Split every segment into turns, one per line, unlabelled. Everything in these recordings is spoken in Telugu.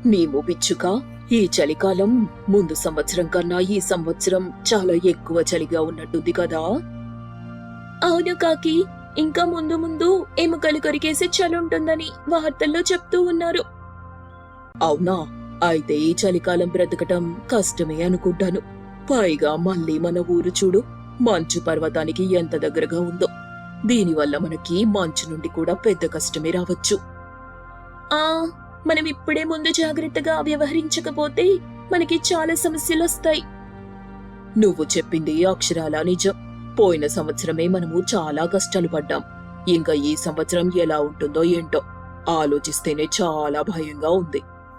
నీము పిచ్చుక, ఈ చలికాలం ముందు సంవత్సరం కన్నా ఈ సంవత్సరం చాలా ఎక్కువ చలిగా ఉన్నట్టుంది కదా. అవును కాకి, ఇంకా ముందు ముందు ఎముకలు కొరికేసే చలి ఉంటుందని వార్తల్లో చెప్తూ ఉన్నారు. అవునా? అయితే ఈ చలికాలం బ్రతకటం కష్టమే అనుకుంటాను. పైగా మళ్ళీ మన ఊరు చూడు, మంచు పర్వతానికి ఎంత దగ్గరగా ఉందో. దీనివల్ల మనకి మంచు నుండి కూడా పెద్ద కష్టమే రావచ్చు. మనం ఇప్పుడే ముందు జాగ్రత్తగా వ్యవహరించకపోతే మనకి చాలా సమస్యలు వస్తాయి. నువ్వు చెప్పింది అక్షరాలా నిజం. పోయిన సంవత్సరమే మనము చాలా కష్టాలు పడ్డాం. ఇంకా ఈ సంవత్సరం ఎలా ఉంటుందో ఏంటో ఆలోచిస్తేనే చాలా భయంగా ఉంది.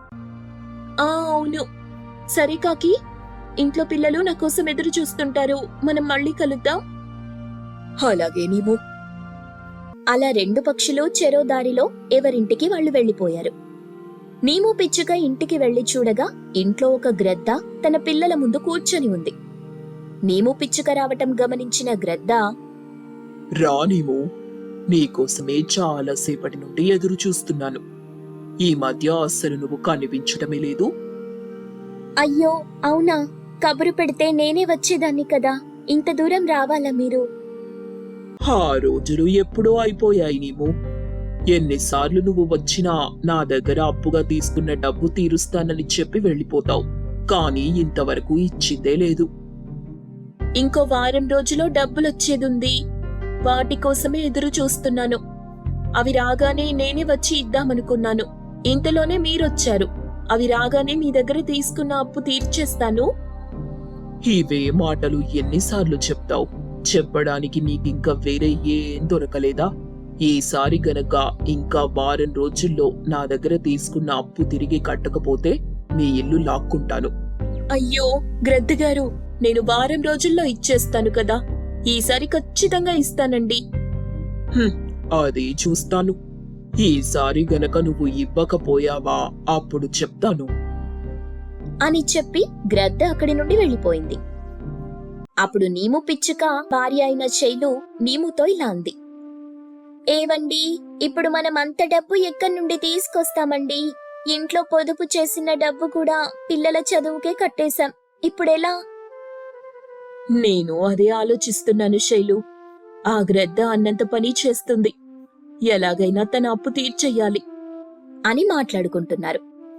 అవును. సరే కాకి, ఇంట్లో పిల్లలు నా కోసం ఎదురు చూస్తుంటారు. మనం మళ్ళీ కలుద్దాం. అలాగే నీవు. అలా రెండు పక్షులు చెరో దారిలో ఎవరింటికి వాళ్ళు వెళ్లిపోయారు. నీము పిచ్చుక ఇంటికి వెళ్లి చూడగా ఇంట్లో ఒక గ్రద్ద తన పిల్లల ముందు కూర్చొని ఉంది. నీము పిచ్చుక రావటం గమనించిన గ్రద్ద,
రా నీము, నీకోసమే చాలా సేపటి నుండి ఎదురు చూస్తున్నాను. ఈ మధ్య అస్సలు నువ్వు కనిపించటమే లేదు.
అయ్యో అవునా, కబురు పెడితే నేనే వచ్చేదాన్ని కదా. ఇంత దూరం రావాలా మీరు?
ఆ రోజులు ఎప్పుడో అయిపోయాయి నీము. ఎన్నిసార్లు నువ్వు వచ్చినా నా దగ్గర అప్పుగా తీసుకున్న డబ్బు తీరుస్తానని చెప్పి వెళ్ళిపోతావు, కానీ ఇంతవరకు ఇచ్చిందే లేదు.
ఇంకో వారం రోజులో డబ్బులొచ్చేదుంది. వాటి కోసమే ఎదురు చూస్తున్నాను. అవి రాగానే నేనే వచ్చి ఇద్దామనుకున్నాను. ఇంతలోనే మీరొచ్చారు. అవి రాగానే మీ దగ్గర తీసుకున్న అప్పు తీర్చేస్తాను.
ఇవే మాటలు ఎన్నిసార్లు చెప్తావు? చెప్పడానికి నీకింకా వేరే ఏం దొరకలేదా? ఈసారి గనక ఇంకా వారం రోజుల్లో నా దగ్గర తీసుకున్న అప్పు తిరిగి కట్టకపోతే నీ ఇల్లు లాక్కుంటాను.
అయ్యో గ్రద్దగారు, నేను వారం రోజుల్లో ఇచ్చేస్తాను కదా. ఈసారి ఖచ్చితంగా ఇస్తానండి.
అది చూస్తాను. ఈసారి గనక నువ్వు ఇవ్వకపోయావా అప్పుడు చెప్తాను
అని చెప్పి గ్రద్ద అక్కడి నుండి వెళ్లిపోయింది. అప్పుడు నీము పిచ్చుక భార్య అయిన శైలు నీముతో ఇలా అంది. ఏవండి, ఇప్పుడు మనం అంత డబ్బు ఎక్కడి నుండి తీసుకొస్తామండి? ఇంట్లో పొదుపు చేసిన డబ్బు కూడా పిల్లల చదువుకే కట్టేశాం. ఇప్పుడెలా?
నేను అదే ఆలోచిస్తున్నాను శైలు. ఆ గ్రద్ద అన్నంత పని చేస్తుంది. ఎలాగైనా తన అప్పు తీర్చెయ్యాలి
అని మాట్లాడుకుంటున్నారు.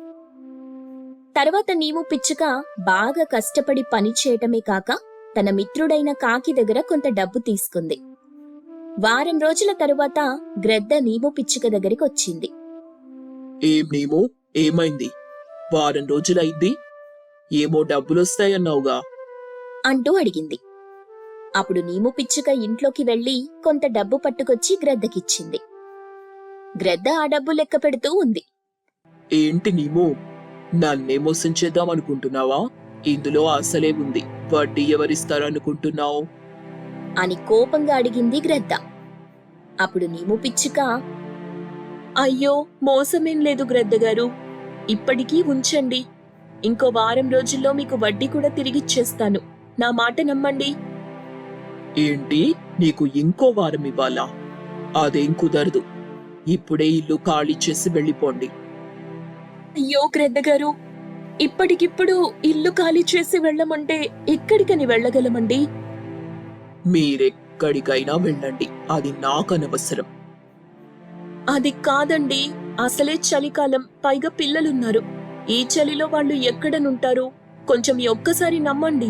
తర్వాత నీము పిచ్చుక బాగా కష్టపడి పని చేయటమే కాక తన మిత్రుడైన కాకి దగ్గర కొంత డబ్బు తీసుకుంది. వారం రోజుల తరువాత గ్రద్ద నీము పిచ్చుక దగ్గరికి వచ్చింది.
ఏం నీమో, ఏమైంది? వారం రోజులైంది, ఏమో డబ్బులొస్తాయన్నావుగా
అంటూ అడిగింది. అప్పుడు నీము పిచ్చుక ఇంట్లోకి వెళ్లి కొంత డబ్బు పట్టుకొచ్చి గ్రద్దకిచ్చింది. గ్రద్ద ఆ డబ్బు లెక్క పెడుతూ ఉంది.
ఏంటి నీమో, నన్నే మోసం చేద్దామనుకుంటున్నావా? ఇందులో అసలే ఉంది, వడ్డీ ఎవరిస్తారనుకుంటున్నావు
అని కోపంగా అడిగింది గ్రద్ద. అప్పుడు నీము పిచ్చుక,
అయ్యో మోసమేం లేదు గ్రద్దగారు. ఇప్పటికీ ఉంచండి. ఇంకో వారం రోజుల్లో మీకు వడ్డీ కూడా తిరిగిచ్చేస్తాను. నా మాట నమ్మండి.
ఏంటి, నీకు ఇంకో వారం ఇవ్వాలా? అదేం కుదరదు. ఇప్పుడే ఇల్లు ఖాళీ చేసి వెళ్ళిపోండి.
అయ్యో గ్రద్దగారు, ఇప్పటికిప్పుడు ఇల్లు ఖాళీ చేసి వెళ్ళమంటే ఎక్కడికని వెళ్ళగలమండి?
మీరెక్కడికైనా వెళ్ళండి, అది నాకనవసరం.
అది కాదండి, అసలే చలికాలం, పైగా పిల్లలున్నారు. ఈ చలిలో వాళ్ళు ఎక్కడనుంటారు? కొంచెం ఒక్కసారి నమ్మండి.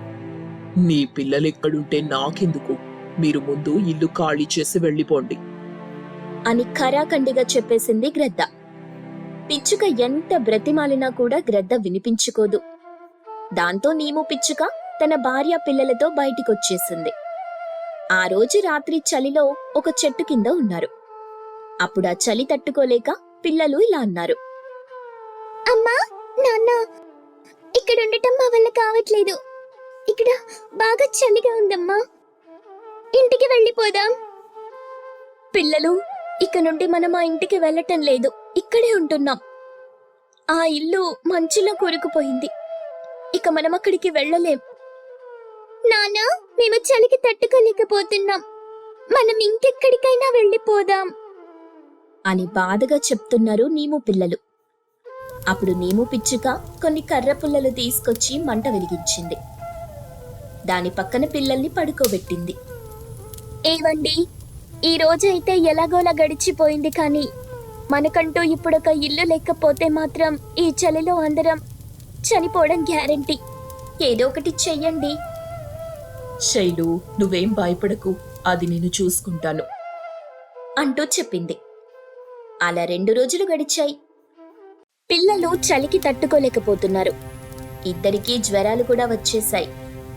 నీ పిల్లలెక్కడుంటే నాకెందుకు? మీరు ముందు ఇల్లు ఖాళీ చేసి వెళ్ళిపోండి
అని ఖరాఖండిగా చెప్పేసింది గ్రద్ద. పిచ్చుక ఎంత బ్రతిమాలినా కూడా గ్రద్ద వినిపించుకోదు. దాంతో నీము పిచ్చుక తన భార్య పిల్లలతో బయటికొచ్చేసింది. ఆ రోజు రాత్రి చలిలో ఒక చెట్టు కింద ఉన్నారు. అప్పుడా చలి తట్టుకోలేక పిల్లలు ఇలా అన్నారు. అమ్మా, నాన్న, ఇక్కడుండటం మా వల్ల కావట్లేదు. ఇక్కడ బాగా చలిగా ఉందమ్మా. ఇంటికి వెళ్ళిపోదాం. పిల్లలు, ఇక నుండి మనం ఆ ఇంటికి వెళ్ళటం లేదు. ఇక్కడే ఉంటున్నాం. ఆ ఇల్లు మంచులో కూరుకుపోయింది. ఇక మనం అక్కడికి వెళ్ళలేం. నాన్న, మేము చలికి తట్టుకోలేకపోతున్నాం. మనం ఇంకెక్కడికైనా వెళ్ళిపోదాం అని బాధగా చెప్తున్నారు నీము పిల్లలు. అప్పుడు నీము పిచ్చుక కొన్ని కర్ర పుల్లలు తీసుకొచ్చి మంట వెలిగించింది. దాని పక్కన పిల్లల్ని పడుకోబెట్టింది. ఏవండి, ఈ రోజైతే ఎలాగోలా గడిచిపోయింది, కానీ మనకంటూ ఇప్పుడొక ఇల్లు లేకపోతే మాత్రం ఈ చలిలో అందరం చనిపోవడం గ్యారంటీ. ఏదో ఒకటి చెయ్యండి.
శైలు, నువ్వేం భయపడకు, అది నేను చూసుకుంటాను
అంటూ చెప్పింది. అలా 2 రోజులు గడిచాయి. పిల్లలు చలికి తట్టుకోలేకపోతున్నారు. ఇద్దరికీ జ్వరాలు కూడా వచ్చేశాయి.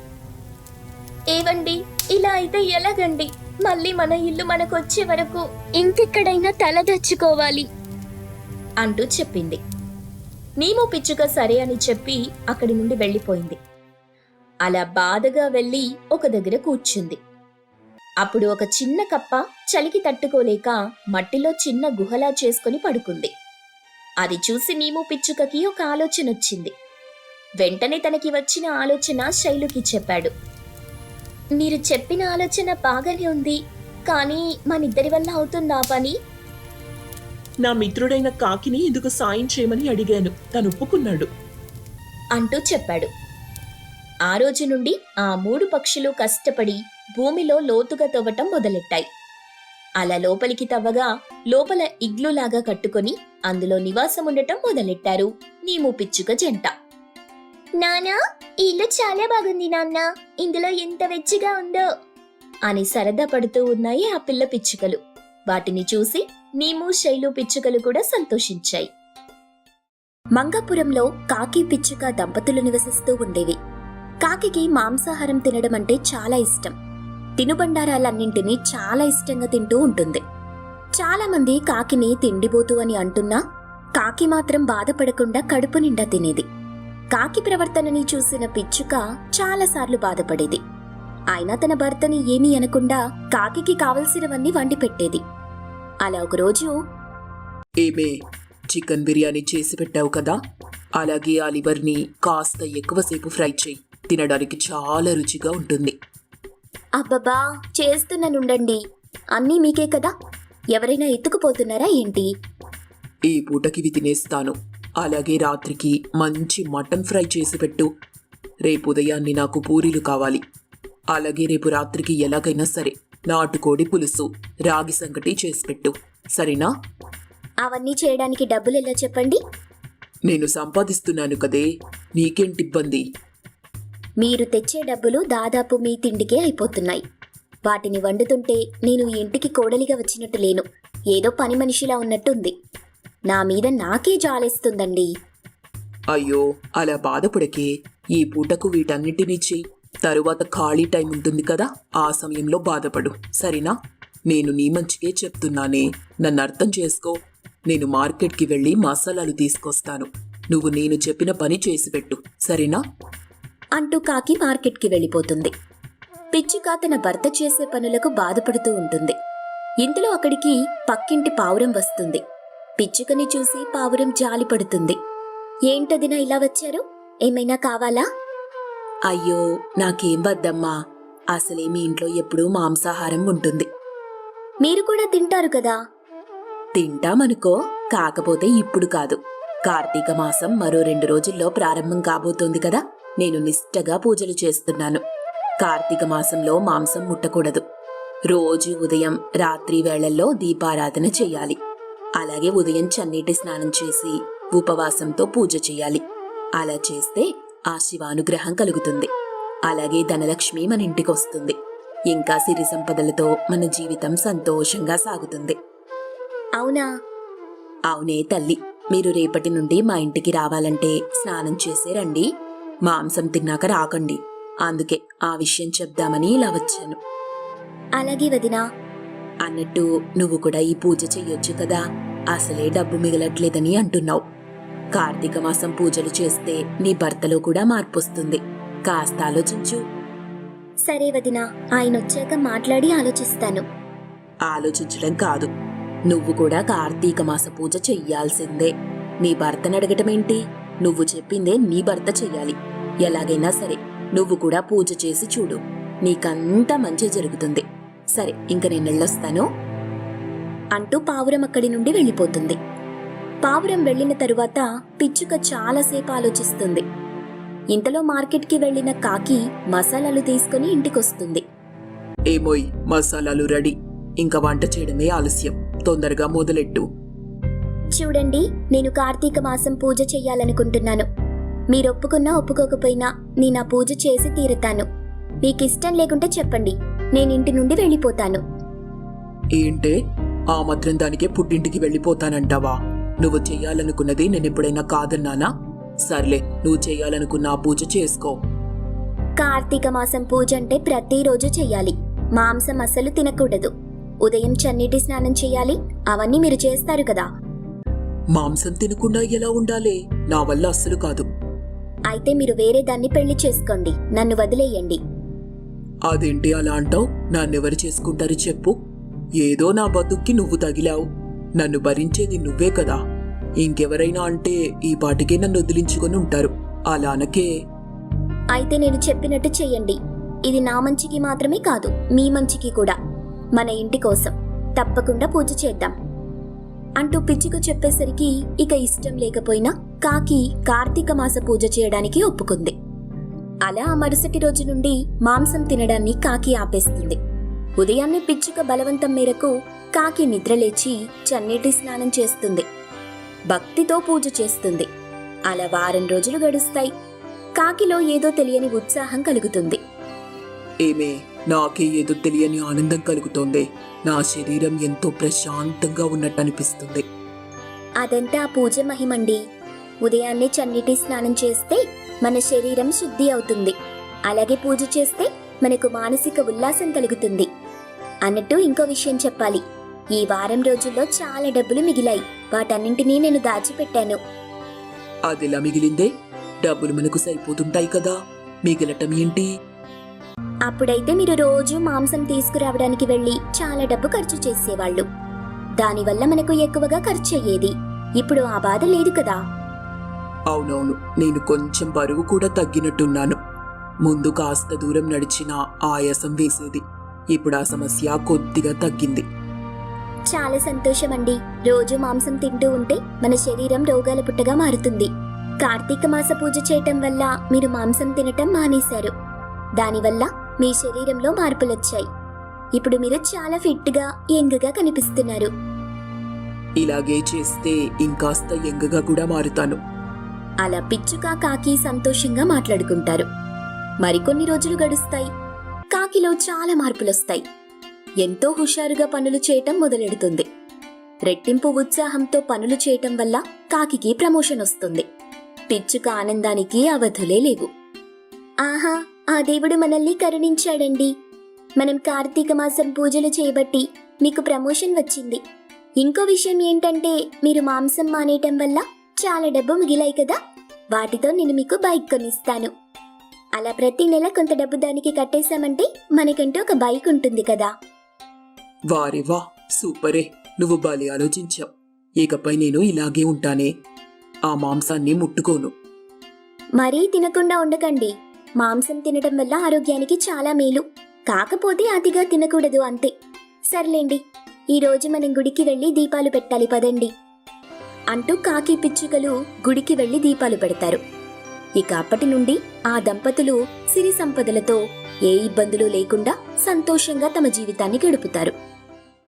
ఏవండి, ఇలా అయితే ఎలాగండి? మళ్ళీ మన ఇల్లు మనకొచ్చే వరకు ఇంకెక్కడైనా తలదచ్చుకోవాలి అంటూ చెప్పింది. నీము పిచ్చుక సరే అని చెప్పి అక్కడి నుండి వెళ్ళిపోయింది. అలా బాధగా వెళ్ళి ఒక దగ్గర కూర్చుంది. అప్పుడు ఒక చిన్న కప్ప చలికి తట్టుకోలేక మట్టిలో చిన్న గుహలా చేసుకుని పడుకుంది. అది చూసి నీము పిచ్చుకకి ఒక ఆలోచన వచ్చింది. వెంటనే తనకి వచ్చిన ఆలోచన శైలుకి చెప్పాడు. మీరు చెప్పిన ఆలోచన బాగానే ఉంది, కానీ మనిద్దరి వల్ల అవుతుందా పని?
నా మిత్రుడైన కాకిని ఇందుకు సాయం చేయమని అడిగాను, తను ఒప్పుకున్నాడు
అంటూ చెప్పాడు. ఆ రోజు నుండి ఆ 3 పక్షులు కష్టపడి భూమిలో లోతుగా తవ్వటం మొదలెట్టాయి. అలా లోపలికి తవ్వగా లోపల ఇగ్లులాగా కట్టుకొని అందులో నివాసం ఉండటం మొదలెట్టారు నీము పిచ్చుక జంట. నానా, ఈ ఇల్లు చాలా బాగుంది నాన్న, ఇందులో ఎంత వెచ్చిగా ఉందో అని సరదా పడుతూ ఉన్నాయి ఆ పిల్ల పిచ్చుకలు. వాటిని చూసి నీము శైలు పిచ్చుకలు కూడా సంతోషించాయి. మంగాపురంలో కాకి పిచ్చుక దంపతులు నివసిస్తూ ఉండేవి. కాకికి మాంసాహారం తినడం అంటే చాలా ఇష్టం. తినుబండారాలన్నింటినీ చాలా ఇష్టంగా తింటూ ఉంటుంది. చాలా మంది కాకిని తిండిబోతు అని అంటున్నా కాకి మాత్రం బాధపడకుండా కడుపు నిండా తినేది. కాకి ప్రవర్తనని చూసిన పిచ్చుక చాలాసార్లు బాధపడేది. అయినా తన భర్తని ఏమీ అనకుండా కాకికి కావలసినవన్నీ వండి పెట్టేది. అలా ఒకరోజు,
ఏమే, చికెన్ బిర్యానీ చేసి పెట్టావు కదా, అలాగే ఆ లివర్ని కాస్త ఎక్కువసేపు ఫ్రై చేయి, తినడానికి చాలా రుచిగా ఉంటుంది.
అబ్బబ్బా, చేస్తున్నానుండండి, అన్నీ మీకే కదా, ఎవరైనా ఎత్తుకుపోతున్నారా ఏంటి?
ఈ పూటకి ఇవి తినేస్తాను. అలాగే రాత్రికి మంచి మటన్ ఫ్రై చేసి పెట్టు. రేపు ఉదయాన్ని నాకు పూరీలు కావాలి. అలాగే రేపు రాత్రికి ఎలాగైనా సరే నాటుకోడి పులుసు, రాగి సంగటి చేసి పెట్టు, సరేనా?
అవన్నీ చేయడానికి డబ్బులు ఎలా చెప్పండి?
నేను సంపాదిస్తున్నాను కదే, నీకేంటి ఇబ్బంది?
మీరు తెచ్చే డబ్బులు దాదాపు మీ తిండికే అయిపోతున్నాయి. వాటిని వండుతుంటే నేను ఈ ఇంటికి కోడలిగా వచ్చినట్టు లేను, ఏదో పని మనిషిలా ఉన్నట్టుంది. నా మీద నాకే జాలేస్తుందండి.
అయ్యో, అలా బాధపడకే. ఈ పూటకు వీటన్నిటినీ చెయ్యి. తరువాత ఖాళీ టైం ఉంటుంది కదా, ఆ సమయంలో బాధపడు, సరేనా? నేను నీ మంచికే చెప్తున్నానే, నన్ను అర్థం చేసుకో. నేను మార్కెట్కి వెళ్ళి మసాలాలు తీసుకొస్తాను. నువ్వు నేను చెప్పిన పని చేసి పెట్టు, సరేనా?
అంటూ కాకి మార్కెట్కి వెళ్ళిపోతుంది. పిచ్చుక తన భర్త చేసే పనులకు బాధపడుతూ ఉంటుంది. ఇంతలో అక్కడికి పక్కింటి పావురం వస్తుంది. పిచ్చుకని చూసి పావురం జాలిపడుతుంది. ఏంటదినా ఇలా వచ్చారు? ఏమైనా కావాలా?
అయ్యో, నాకేం వద్దమ్మా. అసలే మీ ఇంట్లో ఎప్పుడూ మాంసాహారం ఉంటుంది.
మీరు కూడా తింటారు కదా?
తింటామనుకో, కాకపోతే ఇప్పుడు కాదు. కార్తీక మాసం మరో 2 రోజుల్లో ప్రారంభం కాబోతోంది కదా, నేను నిష్టగా పూజలు చేస్తున్నాను. కార్తీక మాసంలో మాంసం ముట్టకూడదు. రోజు ఉదయం రాత్రి వేళల్లో దీపారాధన చెయ్యాలి. అలాగే ఉదయం చన్నీటి స్నానం చేసి ఉపవాసంతో పూజ చెయ్యాలి. అలా చేస్తే ఆ శివానుగ్రహం కలుగుతుంది. అలాగే ధనలక్ష్మి మన ఇంటికొస్తుంది. ఇంకా సిరి సంపదలతో మన జీవితం సంతోషంగా సాగుతుంది.
అవునా?
అవునే తల్లి, మీరు రేపటి నుండి మా ఇంటికి రావాలంటే స్నానం చేసే రండి. మాంసం తిన్నాక రాకండి. అందుకే ఆ విషయం చెప్దామని ఇలా వచ్చాను.
అలాగే వదినా.
అన్నట్టు నువ్వు కూడా ఈ పూజ చెయ్యొచ్చు కదా, అసలే డబ్బు మిగలట్లేదని అంటున్నావు. కార్తీక మాసం పూజలు చేస్తే నీ భర్తలో కూడా మార్పు వస్తుంది. కాస్త ఆలోచించు.
సరే వదినా, ఆయన వచ్చాక మాట్లాడి ఆలోచిస్తాను.
ఆలోచించడం కాదు, నువ్వు కూడా కార్తీక మాస పూజ చెయ్యాల్సిందే. నీ భర్తను అడగటమేంటి? నువ్వు చెప్పిందే నీ భర్త చెయ్యాలి. ఎలాగైనా సరే నువ్వు కూడా పూజ చేసి చూడు, నీకంతా మంచి జరుగుతుంది. సరే, ఇంక నేను వెళ్ళొస్తాను
అంటూ పావురం అక్కడి నుండి వెళ్ళిపోతుంది. పావురం వెళ్లిన తరువాత పిచ్చుక చాలాసేపు ఆలోచిస్తుంది. ఇంతలో మార్కెట్కి వెళ్లిన కాకి మసాలాలు తీసుకుని ఇంటికొస్తుంది.
ఏమోయ్, మసాలాలు రెడీ. ఇంకా వంట చేయడమే ఆలస్యం. తొందరగా మొదలెట్టు.
చూడండి, నేను కార్తీక మాసం పూజ చెయ్యాలనుకుంటున్నాను. మీరొప్పుకున్నా ఒప్పుకోకపోయినా నేను ఆ పూజ చేసి తీరుతాను. మీకిష్టం లేకుంటే చెప్పండి, నేనింటి నుండి వెళ్ళిపోతాను.
ఏంటే, ఆ మాత్రం దానికే పుట్టింటికి వెళ్ళిపోతానంటావా? నువ్వు చెయ్యాలనుకున్నది నేనెప్పుడైనా కాదన్నానా? సర్లే, నువ్వు చెయ్యాలనుకున్న ఆ పూజ చేసుకో.
కార్తీక మాసం పూజ అంటే ప్రతిరోజు చెయ్యాలి. మాంసం అస్సలు తినకూడదు. ఉదయం చన్నీటి స్నానం చెయ్యాలి. అవన్నీ మీరు చేస్తారు కదా.
మాంసం తినకుండా ఎలా ఉండాలి? నా వల్ల అస్సలు కాదు.
అయితే మీరు వేరే దాన్ని పెళ్లి చేసుకోండి. నన్ను వదిలేయండి.
అదేంటి అలా అంటావు? నన్నెవరు చేసుకుంటారు చెప్పు? ఏదో నా బతుక్కి నువ్వు తగిలావు. నన్ను భరించేది నువ్వే కదా. ఇంకెవరైనా అంటే ఈ పాటికే నన్ను వదిలించుకొని ఉంటారు. అలా అనకే.
అయితే నేను చెప్పినట్టు చెయ్యండి. ఇది నా మంచికి మాత్రమే కాదు, మీ మంచికి కూడా. మన ఇంటి కోసం తప్పకుండా పూజ చేద్దాం అంటూ పిచ్చుక చెప్పేసరికి ఇక ఇష్టం లేకపోయినా కాకి కార్తీక మాస పూజ చేయడానికి ఒప్పుకుంది. అలా ఆ మరుసటి రోజు నుండి మాంసం తినడాన్ని కాకి ఆపేస్తుంది. ఉదయాన్నే పిచ్చుక బలవంతం మేరకు కాకి నిద్రలేచి చన్నీటి స్నానం చేస్తుంది. భక్తితో పూజ చేస్తుంది. అలా వారం రోజులు గడుస్తాయి. కాకిలో ఏదో తెలియని ఉత్సాహం కలుగుతుంది.
ఏమే, నాకే ఏదో తెలియని ఆనందం కలుగుతోంది. నా శరీరం ఎంతో ప్రశాంతంగా ఉన్నట్టు అనిపిస్తుంది.
అదంతా ఆ పూజ మహిమండి. ఉదయాన్నే చన్నీటి స్నానం చేస్తే మన శరీరం శుద్ధి అవుతుంది. అలాగే పూజ చేస్తే మనకు మానసిక ఉల్లాసం కలుగుతుంది. అన్నట్టు ఇంకో విషయం చెప్పాలి. ఈ వారం రోజుల్లో చాలా డబ్బులు మిగిలాయి. వాటన్నింటినీ నేను దాచిపెట్టాను.
అదెలా మిగిలిందే? డబ్బులు మనకు సరిపోతుంటాయి కదా, మిగిలటం ఏంటి?
అప్పుడైతే మీరు రోజు మాంసం తీసుకురావడానికి వెళ్లి చాలా డబ్బు ఖర్చు చేసేవాళ్ళు. దానివల్ల మనకు ఎక్కువగా ఖర్చు అయ్యేది. ఇప్పుడు ఆ బాధ లేదు కదా.
అవునవును, నేను కొంచెం బరువు కూడా తగ్గినట్టున్నాను. ముందు కాస్త దూరం నడిచినా ఆయాసం వేసేది. ఇప్పుడు ఆ సమస్య కొద్దిగా తగ్గింది.
చాలా సంతోషమండి. రోజు మాంసం తింటూ ఉంటే మన శరీరం రోగాల పుట్టగా మారుతుంది. కార్తీక మాస పూజ చేయటం వల్ల మీరు మాంసం తినటం మానేశారు. దానివల్ల మీ శరీరంలో మార్పులొచ్చాయి. ఇప్పుడు మీరు చాలా ఫిట్గా యంగ్గా కనిపిస్తున్నారు.
ఇలాగే చేస్తే ఇంకాస్త యంగ్గా కూడా మారుతాను.
అలా పిచ్చుక కాకి సంతోషంగా మాట్లాడుకుంటారు. మరికొన్ని రోజులు గడుస్తాయి. కాకిలో చాలా మార్పులొస్తాయి. ఎంతో హుషారుగా పనులు చేయటం మొదలెడుతుంది. రెట్టింపు ఉత్సాహంతో పనులు చేయటం వల్ల కాకికి ప్రమోషన్ వస్తుంది. పిచ్చుక ఆనందానికి అవధులే లేవు. ఆహా, ఆ దేవుడు మనల్ని కరుణించాడండి. మనం కార్తీక మాసం పూజలు చేయబట్టి మీకు ప్రమోషన్ వచ్చింది. ఇంకో విషయం ఏంటంటే మీరు మాంసం మానేయటం వల్ల చాలా డబ్బు మిగిలాయి కదా. వాటితో నేను మీకు బైక్ కొనిస్తాను. అలా ప్రతి నెల కొంత డబ్బు దానికి కట్టేశామంటే మనకంటూ ఒక బైక్ ఉంటుంది కదా.
వారేవా, సూపరే, నువ్వు బాలే ఆలోచించావు. ఇకపై నేను ఇలాగే ఉంటానే. ఆ మాంసాన్ని ముట్టుకోను.
మరీ తినకుండా ఉండకండి. మాంసం తినడం వల్ల ఆరోగ్యానికి చాలా మేలు. కాకపోతే అతిగా తినకూడదు అంతే. సర్లేండి, ఈరోజు మనం గుడికి వెళ్లి దీపాలు పెట్టాలి పదండి అంటూ కాకి పిచ్చుకలు గుడికి వెళ్లి దీపాలు పెడతారు. ఇక అప్పటి నుండి ఆ దంపతులు సిరి సంపదలతో ఏ ఇబ్బందులు లేకుండా సంతోషంగా తమ జీవితాన్ని గడుపుతారు.